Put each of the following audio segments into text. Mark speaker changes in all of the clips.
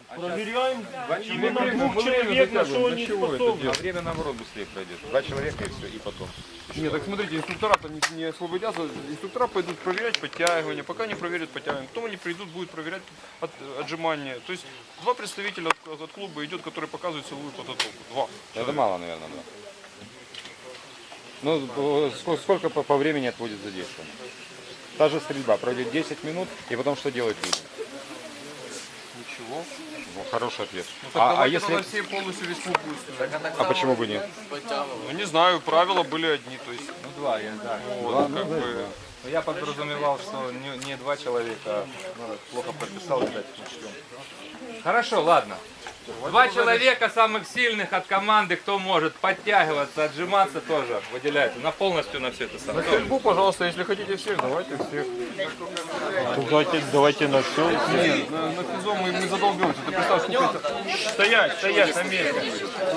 Speaker 1: Проверяем именно двух человек, на что они способны.
Speaker 2: А время наоборот быстрее пройдет. 2 человека и все, и потом.
Speaker 3: Нет, так смотрите, инструктора-то не освободятся. Инструктора пойдут проверять подтягивания. Пока не проверят подтягивания. Потом они придут, будут проверять отжимания. То есть 2 представителя от клуба идет, которые показывают силовую подготовку. 2.
Speaker 2: Это мало, наверное, да. Ну, сколько по времени отводит за действие? Та же стрельба, пройдет 10 минут, и потом что делать люди?
Speaker 3: Ничего.
Speaker 2: Ну, хороший ответ.
Speaker 3: Ну, так давайте тогда все полностью весь клуб будет стрелять.
Speaker 2: А почему бы нет?
Speaker 3: Ну не знаю, правила были одни. То есть,
Speaker 4: Ну, два, да.
Speaker 3: вот, как бы,
Speaker 4: Но я подразумевал, что не два человека, плохо прописал, видать, учтем. Хорошо, ладно. 2 человека самых сильных от команды, кто может подтягиваться, отжиматься тоже выделяется. На полностью на все это
Speaker 3: на
Speaker 4: самое.
Speaker 3: стрельбу, пожалуйста, если хотите всех, давайте всех.
Speaker 1: Давайте на все.
Speaker 3: Нет, на физо мы задолбемся. Ты представь, сколько это...
Speaker 1: Стоять на месте.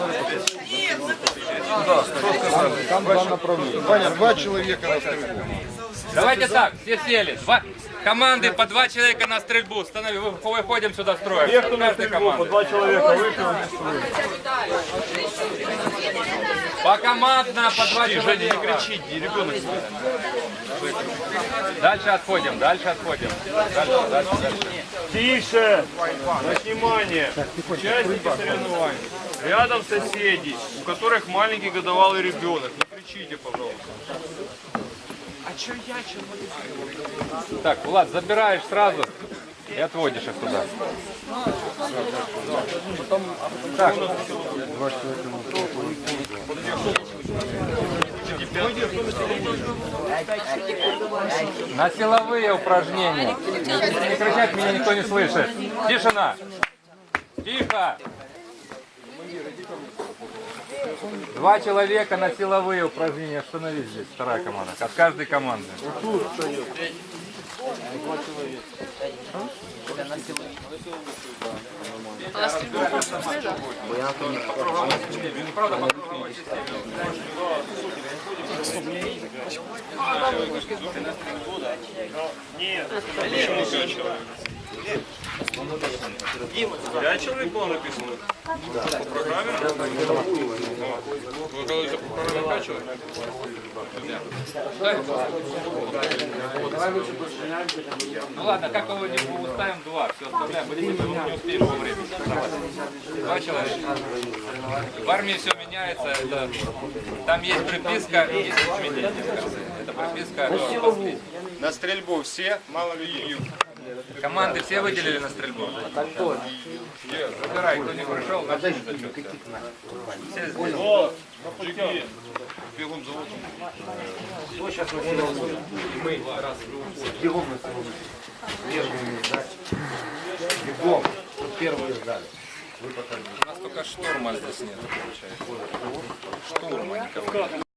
Speaker 3: Да, что сказали?
Speaker 2: Там 2 направления.
Speaker 3: Ваня, 2 человека на стрельбу.
Speaker 4: Давайте так, все сели. Команды по 2 человека на стрельбу. Выходим сюда строим.
Speaker 1: Те, кто на
Speaker 4: Каждая
Speaker 1: стрельбу, по
Speaker 4: команда.
Speaker 1: 2 человека вышли.
Speaker 4: По командно, по 2 человека.
Speaker 3: Не кричите, ребенок.
Speaker 4: Дальше отходим, дальше отходим. Дальше.
Speaker 1: Тише! На внимание! Участники соревнований. Рядом соседи, у которых маленький годовалый ребенок. Не кричите, пожалуйста.
Speaker 4: Так, Влад, забираешь сразу и отводишь их туда. Так. На силовые упражнения. Не кричать, меня никто не слышит. Тишина. Тихо. 2 человека на силовые упражнения. Остановись здесь, вторая команда. От каждой команды.
Speaker 1: Пять человек было написано? По программе?
Speaker 3: Вы говорите, по программе 5 человек?
Speaker 4: Ну ладно, как его не уставим 2, все оставляем, будете не успеем по времени. 2 человека. В армии все меняется, там есть приписка и есть изменения в конце. Это приписка.
Speaker 2: На стрельбу все, мало людей.
Speaker 4: Команды все выделили на стрельбу? Выбирай, кто не пришел, начни зачет. Все здесь.
Speaker 1: О, пропустил.
Speaker 3: Бегом завод.
Speaker 5: Бегом. Первые сдали.
Speaker 4: У нас только штурма здесь нет, получается. Штурма никого нет.